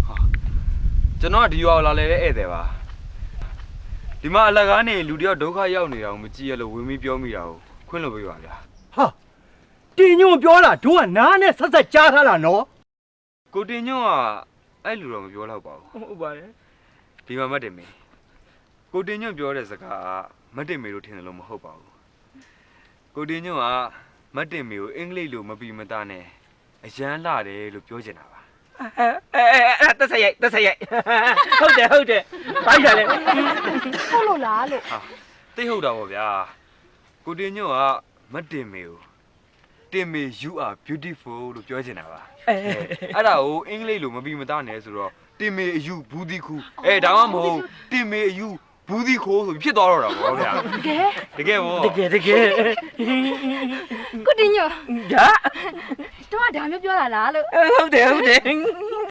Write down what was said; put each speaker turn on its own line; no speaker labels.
ကျွန်တော်ကဒီရွာကိုလာလဲတဲ့ဧည့်သည်ပါဒီမှာအလကားနေလူတယောက်ဒုက္ခရောက်နေတာကိုမကြည့်ရလို့ဝင်ပြီးပြောမိတာကိုခွင့်လို့ပေးပါဗျာ
ဟာတင်ညွန့်ပြောတာတို့ကနားနဲ့ဆက်ဆက်ကြားထားတာနော်
ကိုတင်ညွန့်ကအဲ့လူတော့မပြောတော့ပါဘူး
ဟုတ်ပါတယ်
ဒီမှာမတ်တင်မေကိုတင်ညွန့်ပြောတဲ့စကားကမတ်တင်မေလို့ထင်တယ်လို့မဟုတ်ပါဘူးကိုတင်ညွန့်ကမတ်တင်မေကိုအင်္ဂလိပ်လိုမပြီးမသားနဲ့အရန်လာတယ်လို့ပြောချင်တာပါ
တက်ဆက်ရိုက်ဟုတ်တယ်ဘိုက်ရလေ
ဟုတ်လို့လားလို့
သိဟုတ်တာပေါ့ဗျာကိုတင်ညွန့်ကမတ်တင်မေကိုတင်မေ you are beautiful လို့ပြောချင်တာပါအဲ့ဒါကိုအင်္ဂလိပ်လိုမပြီးမသားနဲ့ဆိုတော့တင်မေအယူဘူးဒီခုဒါမှမဟုတ်တင်မေအယူဘူးဒီခိုးဆိုဖြစ်သွားတော့တာပေါ့ဗျာတကယ်ပေါ့
ကိုတင်ညို
ဒါ
တော့ဒါမျိုးပြောတာလားလို့
ဟုတ်တယ်